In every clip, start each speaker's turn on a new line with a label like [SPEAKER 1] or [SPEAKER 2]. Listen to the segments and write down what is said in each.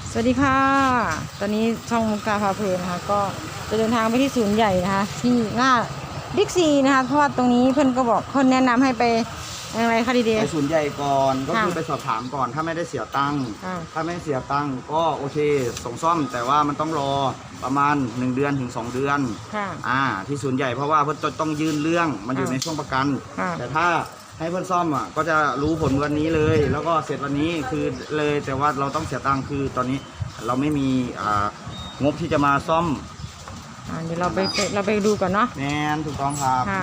[SPEAKER 1] สวัสดีค่ะตอนนี้ช่องมุกตาพาเพลินนะคะก็จะเดินทางไปที่ศูนย์ใหญ่นะคะที่หน้าบิ๊กซีนะคะเพราะว่าตรงนี้เพื่อนก็บอกคนแนะนำให้ไปอะไรคะดี
[SPEAKER 2] ไปศูนย์ใหญ่ก่อนก็คือ
[SPEAKER 1] ค่ะ
[SPEAKER 2] ไปสอบถามก่อนถ้าไม่ได้เสียตังค์
[SPEAKER 1] ค่ะ
[SPEAKER 2] ถ้าไม่เสียตังค์ก็โอเคส่งซ่อมแต่ว่ามันต้องรอประมาณ1 เดือนถึง 2 เดือน
[SPEAKER 1] ค่ะ
[SPEAKER 2] ที่ศูนย์ใหญ่เพราะว่าเพื่อนต้องยื่นเรื่องมันอยู่ในช่วงประกัน
[SPEAKER 1] ค่ะ
[SPEAKER 2] แต่ถ้าให้เพื่อนซ่อมก็จะรู้ผลวันนี้เลย แล้วก็เสร็จวันนี้คือเลยแต่ว่าเราต้องเสียตังค์คือตอนนี้เราไม่มีงบที่จะมาซ่อม
[SPEAKER 1] เดี๋ยวเราไปดูก่อนเนาะ
[SPEAKER 2] แน่นถูกต้องครับ
[SPEAKER 1] ค่ะ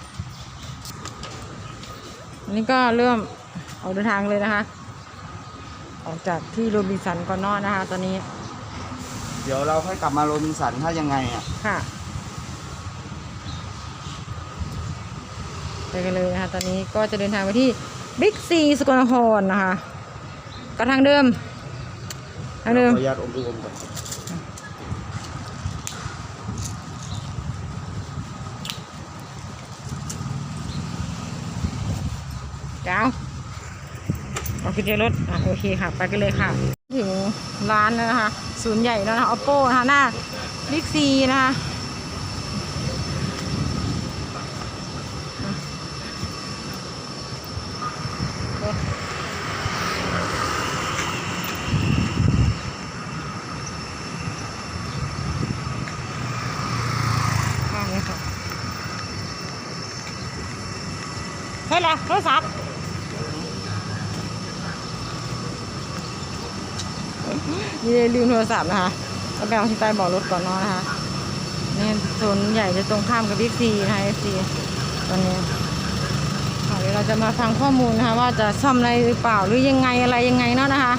[SPEAKER 1] อันนี้ก็เริ่มออกเดินทางเลยนะคะ ออกจากที่โรบินสันก่อนเนอนนะคะ ตอนนี้
[SPEAKER 2] เดี๋ยวเราค่อยกลับมาโรบินสันถ้ายังไง
[SPEAKER 1] ค่ะไปกันเลยนะคะตอนนี้ก็จะเดินทางไปที่บิ๊กซีสกลนครนะคะก็ทางเดิม
[SPEAKER 2] ขออนุญาตอมดูอมก่อน
[SPEAKER 1] เจ้าโอเคเจอรถโอเคค่ะไปกันเลยค่ะถึงร้านแล้วนะคะศูนย์ใหญ่แล้วนะคะ Oppo นะคะหน้าบิ๊กซีนะคะนี่ค่ะเฮ้ยละโทรศัพท์นี่ลืมโทรศัพท์นะคะก็ไปเอาที่ใต้เบาะรถก่อนเนาะนะคะนี่โซนใหญ่จะตรงข้ามกับบิ๊กซีนะคะ FC ตอนนี้เดี๋ยวเราจะมาฟังข้อมูลนะคะว่าจะซ่อมอะไรหรือเปล่าหรือยังไงอะไรยังไงเนาะนะคะ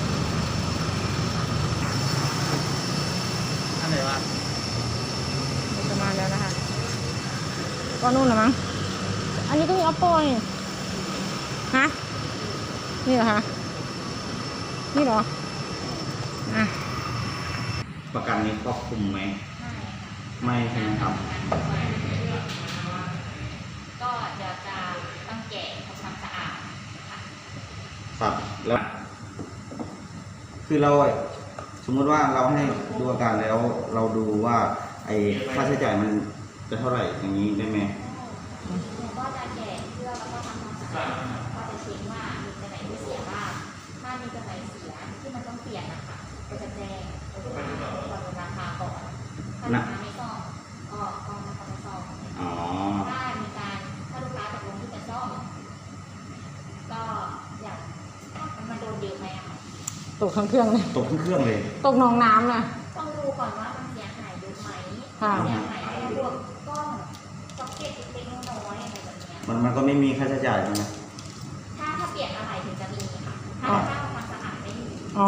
[SPEAKER 2] อันไหนวะ
[SPEAKER 1] จะมาแล้วนะคะก็นู่นเหรอมั้งอันนี้ก็มี Oppo นี่ฮะนี่เหรอคะนี่เหรอ
[SPEAKER 2] ประกันนี้ครอบคลุมไหมไม่ใช่ไหมครับ
[SPEAKER 3] ก็เดี๋ยวจะต้องแกะทำความสะอาดค่ะ
[SPEAKER 2] ครับแล้วคือเราสมมติว่าเราให้ดูอาการแล้วเราดูว่าไอ้ค่าใช้จ่ายมันจะเท่าไหร่อย่างนี้ได้ไหม
[SPEAKER 3] หนูก็จะแกะเพื่อแล้วก็ทำความสะอาดก็จะเช็คว่ามีตัวไหนที่เสียบ้างถ้ามีตัวไหนเสียที่มันต้องเปลี่ยนนะคะก็จะแจ้งลูกค้าก่อนราคาก่อนถ้าลูกค้าไม่ซ่อมก็ไม่ซ่อม
[SPEAKER 2] อ๋อ
[SPEAKER 3] ถ้ามีการถ้าลูกค้าตกลงที่จะซ่อมก็อยากมันโดนเยอะไหมอะคะ
[SPEAKER 1] ตกทั้งเครื่องเลย
[SPEAKER 2] ตกเครื่องเลย
[SPEAKER 1] ตกหนองน้ำเลย
[SPEAKER 3] ต้องดูก่อนว่ามันเสียหายเยอะไหม
[SPEAKER 1] ค่ะ
[SPEAKER 3] เสียหายในพวกกล้องซ็อกเก็ตเล็กๆน้อยๆอะไรแบบเนี้ย
[SPEAKER 2] มันก็ไม่มีค่าใช้จ่ายใช่ไหม
[SPEAKER 3] ถ้าเปลี่ยนอะไรถึงจะมีค่ะถ้าทำความสะอาดไม่มี
[SPEAKER 1] อ๋อ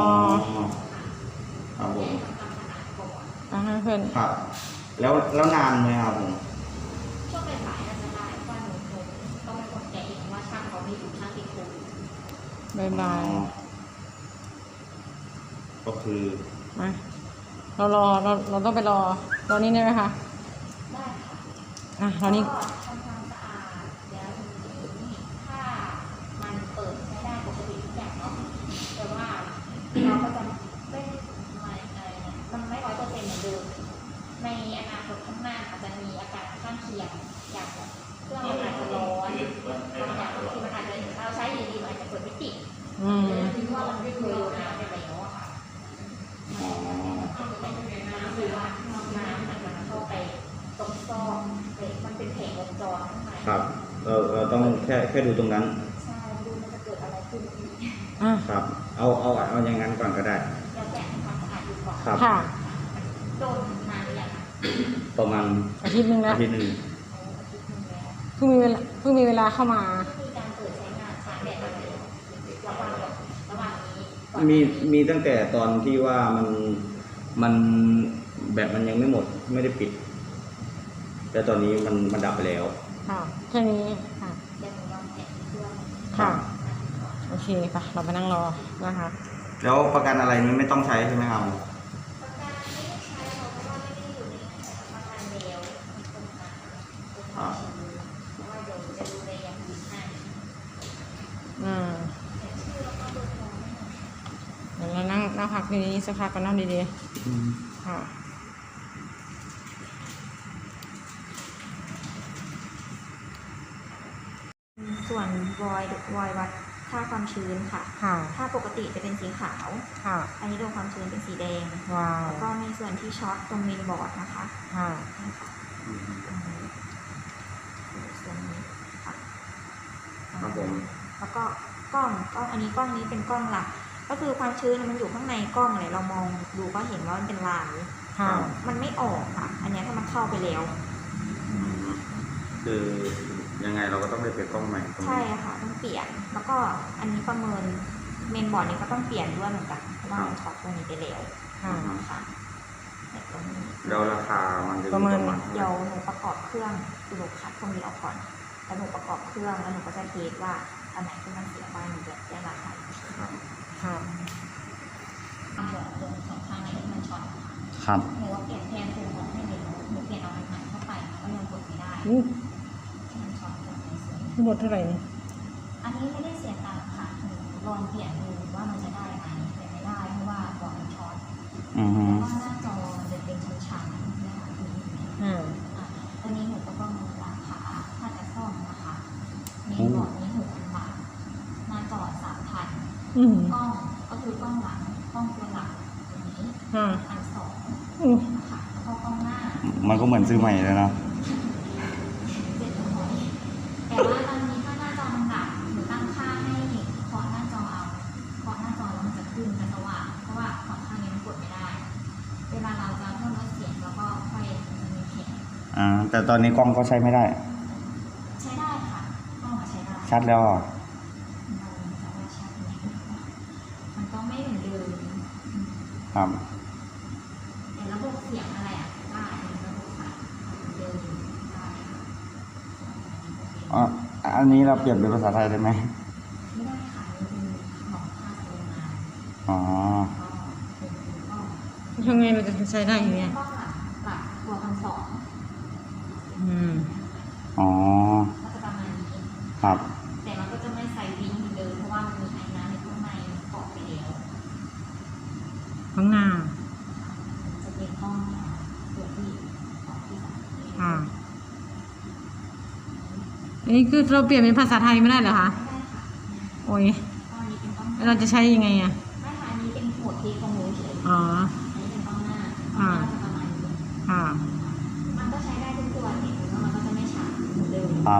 [SPEAKER 2] ครับผม
[SPEAKER 3] ทำความสะอาดก่อน
[SPEAKER 1] ให้เพื่อน
[SPEAKER 2] ครับแล้วนานไหมครับผม
[SPEAKER 3] ช่วงบ่ายๆน่าจะได้ว่าหนูต้องเป็นคนแกะเองว่าช่างเขาไม่อยู่ช่างติดโควิด
[SPEAKER 1] บายบาย
[SPEAKER 2] ก็คือ
[SPEAKER 1] มาเราต้องไปรอนี่ได้ไหมคะ
[SPEAKER 3] ได้ค่ะ
[SPEAKER 1] รอนี่
[SPEAKER 3] ก็ทำความสะอาดแล้วทีนี้ถ้ามันเปิดใช้ได้ปกติทุกอย่างเนาะแต่ว่าเราก็จะไม่มันไม่100%เหมือนเดิมในอนาคตข้างหน้าอาจจะมีอาการข้างเคียงอย่างเครื่องมันอาจจะร้อนบางอย่างที่มันอาจจะเราใช้อยู่ดีมันอาจจะเปิดไม่ติดคิดว่ามันไม่เคยโดนน้ำไปแล้วอะค่ะ
[SPEAKER 2] อ๋อ
[SPEAKER 3] น้ำหรือว่าน้ำมันเข้าไปตรงซอกมันเป็นแผงวงจรข้างใน
[SPEAKER 2] ครับเราต้องแค่ดูตรงนั้น
[SPEAKER 3] ใช่ดูมันจะเกิดอะไรขึ้นอีก
[SPEAKER 2] ครับ เอาอย่างนั้นก่อนก็ได้
[SPEAKER 3] แล้วแกะทำความสะอาดดูก่อน
[SPEAKER 2] ครับ
[SPEAKER 1] ค่ะ
[SPEAKER 3] โดนนานหรือยังคะ
[SPEAKER 2] ประมาณ
[SPEAKER 1] อาทิตย์หนึงแล้ว
[SPEAKER 2] อาทิตย์หนึ่ง
[SPEAKER 3] อาทิตย์นึงแล้ว
[SPEAKER 1] เพิ่งมีเวลาเข้ามา
[SPEAKER 3] มีการเปิดใช้งานชาร์จแบตอะไรระหว่างนี้ก่อน
[SPEAKER 2] มีตั้งแต่ตอนที่ว่ามันแบตมันยังไม่หมดไม่ได้ปิด แต่ตอนนี้มันดับไปแล้ว
[SPEAKER 1] ค่ะแค่นี้ค่ะ
[SPEAKER 3] เดี๋ยวหนูลองแกะเครื่อง
[SPEAKER 1] ค่ะโอเคไปเราไปนั่งรอนะคะ
[SPEAKER 2] แล้วประกันอะไรนี้ไม่ต้องใช้ใช่ไหมครับ
[SPEAKER 3] ประกันไม่ได้ใช้เพราะว่าไม่ได้อยู่ในประกันแล้วมีคนมาเพราะว่าเดี๋ยวจะดูแลอย่างดีให้
[SPEAKER 1] เดี๋ยวเรานั่งนั่งพักดีๆสักพักก็นั่งดีๆค่ะ
[SPEAKER 3] ส่วนวอยวัดค่าความชื้นค่ะ
[SPEAKER 1] ค่ะ
[SPEAKER 3] ถ้าปกติจะเป็นสีขาว
[SPEAKER 1] ค่ะ
[SPEAKER 3] อันนี้โดนความชื้นเป็นสีแดง
[SPEAKER 1] ว้าว
[SPEAKER 3] แล้วก็มีส่วนที่ช็อตตรงเมนบอร์ดนะคะ
[SPEAKER 1] ค่ะ
[SPEAKER 3] นี่ค่ะตรงนี้ส่วนนี้ค่ะ
[SPEAKER 2] ครับผม
[SPEAKER 3] แล้วก็กล้องอันนี้กล้องนี้เป็นกล้องหลัก ก็คือความชื้นมันอยู่ข้างในกล้องเลยเรามองดูก็เห็นว่ามันเป็นลาย
[SPEAKER 1] ค่ะ
[SPEAKER 3] มันไม่ออกค่ะ อันเนี้ยถ้ามันเข้าไปแล้ว
[SPEAKER 2] คือยังไงเราก็ต้องได้เปลี่ยนกล้องใหม่ตรง
[SPEAKER 3] ใช่
[SPEAKER 2] นี้
[SPEAKER 3] ค่ะต้องเปลี่ยน แล้วก็อันนี้ประเมินเมนบอร์ดนี้ก็ต้องเปลี่ยนด้วยเหมือนกันเพราะว่ามันช็อตตรงนี้ไปแล้ว
[SPEAKER 1] ค่ะ
[SPEAKER 3] ค่ะเนี่ยตรงนี้
[SPEAKER 2] แล้วราคามันจะอยู่
[SPEAKER 1] ประเมิน
[SPEAKER 2] ประมาณเท่าไห
[SPEAKER 3] เดี๋
[SPEAKER 2] ร่
[SPEAKER 3] ยวหนูประกอบเครื่องหนูคัดตรงนี้ออกก่อนแล้วหนูประกอบเครื่องแล้วหนูก็จะเทสว่าอันไหนที่มันเสียบ้างหนูจะแจ้งราคาอีกที
[SPEAKER 2] ครับ
[SPEAKER 1] ค่ะ
[SPEAKER 3] ทำบอกตรงสองข้างไหนที่มันช็อตค่ะ
[SPEAKER 2] ครับ
[SPEAKER 3] หนูว่าเปลี่ยนแทนตรงของให้เลยหนูเปลี่ยนเอาอันใหม่เข้าไปก็ยังกดไม่ได้
[SPEAKER 1] อู้
[SPEAKER 3] มันช็อตตรงไหนเสีย
[SPEAKER 1] ทั้งหมดเท่าไหร่นี่
[SPEAKER 3] อันนี้ไม่ได้เสียตังค์ค่ะหนูลองเปลี่ยนดูว่ามันจะได้ไหมเปลี่ยนไม่ได้เพราะว่าบอร์ดมันช็อต
[SPEAKER 2] อือฮึ
[SPEAKER 3] เพราะว่าหน้าจอมันจะเป็นชั้นๆนะคะคือ
[SPEAKER 1] อ่า
[SPEAKER 3] ตัวนี้หนูก็ต้องราคาถ้าจะซ่อมนะคะมีบอร์ดนี้6,000 บาทหน้าจอ3,000
[SPEAKER 1] อืม
[SPEAKER 3] กล้องก็คือกล้องหลังกล้องตัวหลังตัวนี้
[SPEAKER 1] อ่า
[SPEAKER 3] 1,200
[SPEAKER 1] อู้
[SPEAKER 3] นะคะแล้วก็กล้องหน้า
[SPEAKER 2] มันก็เหมือนซื้อใหม่เลยเนาะ
[SPEAKER 3] 700แต่ว่าตอนนี้ถ้าหน้าจอมันดับหนูตั้งค่าให้เคาะหน้าจอเอาเคาะหน้าจอแล้วมันจะขึ้นจะสว่างเพราะว่าของข้างนี้มันกดไม่ได้ เวลาเราจะเพิ่มลดเสียงแล้วก็ค่อยจะมีเพลง
[SPEAKER 2] แต่ตอนนี้กล้องก็ใช้ไม่ได้
[SPEAKER 3] ใช้ได้ค่ะกล้องใช้ได้
[SPEAKER 2] ชัดแล้วอ่ะ
[SPEAKER 3] มันก็ไม่เหมือนเดิม
[SPEAKER 2] ครับ
[SPEAKER 3] แต่ระบบเสียงอะไรอ่ะได้ระบบสายเหมือนเดิมได้
[SPEAKER 2] อ๋ออันนี้เราเปลี่ยนเป็นภาษาไทยได้ไหม
[SPEAKER 3] ไม่ได้ค่ะนี่เป็นของภาคโรงงาน
[SPEAKER 2] อ๋อ
[SPEAKER 3] ก็เป็นกล้อง
[SPEAKER 1] ยังไงเราจะใช้ได้อย่างเงี้ย
[SPEAKER 3] กล้องหลักตัว1,200
[SPEAKER 1] อืม
[SPEAKER 2] อ๋อ
[SPEAKER 3] ก็จะประมาณนี้
[SPEAKER 2] ครับ
[SPEAKER 3] แต่มันก็จะไม่ใส่วิงเหมือนเดิมเพราะว่ามันมีไอ้น้ำในข้างในเกาะไปแล้ว
[SPEAKER 1] ข้างหน้า
[SPEAKER 3] จะเป็นกล้องตัวที่ของที่สาม
[SPEAKER 1] ค่ะ อันนี้คือเราเปลี่ยนเป็นภาษาไทยไม่ได้เหรอคะ
[SPEAKER 3] ไม่ได้ค่ะ
[SPEAKER 1] โอ้ย
[SPEAKER 3] ตอนนี้เป็นกล้องห
[SPEAKER 1] แล้ว
[SPEAKER 3] น้า
[SPEAKER 1] เราจะใช้ยังไงอ่ะ
[SPEAKER 3] ไม่ค่ะอันนี้เป็นหัวเทปของหนูเฉย
[SPEAKER 1] อ๋อ
[SPEAKER 3] อันนี้เป็นกล้องหน้ากล้องหน้าจะประมาณนี้
[SPEAKER 1] ค่ะ
[SPEAKER 3] มันก็ใช้ได้ทุกตัวเห็นว่ามันก็จะไม่ช้าเหมือนเดิม
[SPEAKER 2] ครับ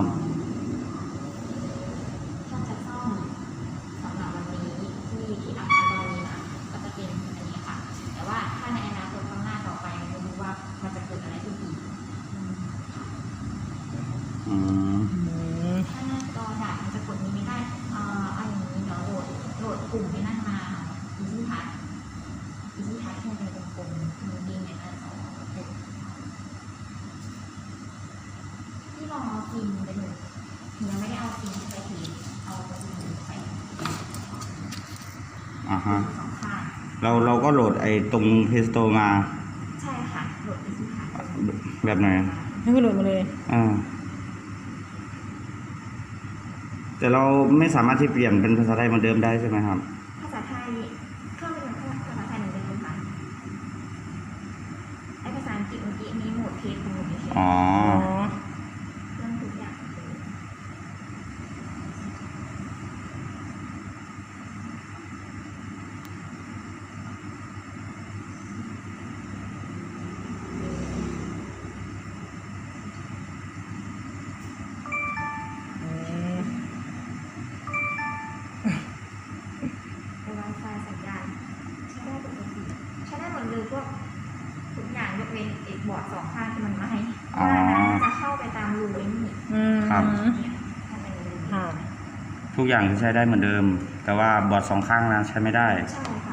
[SPEAKER 3] ถ้าจะซ่อมสำหรับวันนี้ที่อาคารตอนนี้นะก็จะเป็นอันนี้ค่ะ แต่ว่าถ้าในอนาคตข้างหน้าต่อไปไม่รู้ว่ามันจะเกิดอะไรขึ้นอีกค่ะ
[SPEAKER 2] อืม
[SPEAKER 1] อืม
[SPEAKER 3] ถ้าหน้าจอดับมันจะกดนี้ไม่ได้เอาอย่างนี้เดี๋ยวโหลดกลุ่มให้นั่นมาอีซี่ทัชที่มันเป็นกลมๆมือดิ้งในหน้าจอที่ลองเอาฟิล์มไปดูยังไม่ได้เอาฟิล์มไปทีเอาฟิล์มไป
[SPEAKER 2] อ่าฮะ
[SPEAKER 3] สองข้าง
[SPEAKER 2] เราก็โหลดไอ้ตรงเพสโตมา
[SPEAKER 3] ใช่ค่ะโหลดอีซี่ทัช
[SPEAKER 2] แบบไหน
[SPEAKER 1] ให้ก็โหลดมาเลย
[SPEAKER 2] แต่เราไม่สามารถที่เปลี่ยนเป็นภาษาไทยเหมือนเดิมได้ใช่ไหมครับ
[SPEAKER 3] ภาษาไทยเครื่องเป็นภาษาไทยเหมือนเดิมค่ะไอภาษาอังกฤษเมื่อกี้มีโหมดเทสของหนูเฉย
[SPEAKER 2] อ๋อ
[SPEAKER 1] อ๋อ
[SPEAKER 3] ๆเรื่องทุกอย่างเหมือนเดิม
[SPEAKER 1] อืม
[SPEAKER 3] ใน Wi-Fi สัญญาณใช้ได้ปกติใช้ได้หมดเลยพวกทุกอย่างยกเว้นไอ้บอร์ดสองข้างที่มันไม่ให้
[SPEAKER 2] อ๋อ
[SPEAKER 3] ว่านั้นจะเข้าไปตามรูไอ้นี่
[SPEAKER 1] อืม
[SPEAKER 2] ครับ
[SPEAKER 3] เนี่ยทำเป็นรู
[SPEAKER 1] ค่ะ
[SPEAKER 2] ทุกอย่างใช้ได้เหมือนเดิม แต่ว่าบอร์ดสองข้างนะใช้ไม่ได้
[SPEAKER 3] ใช่ค่ะ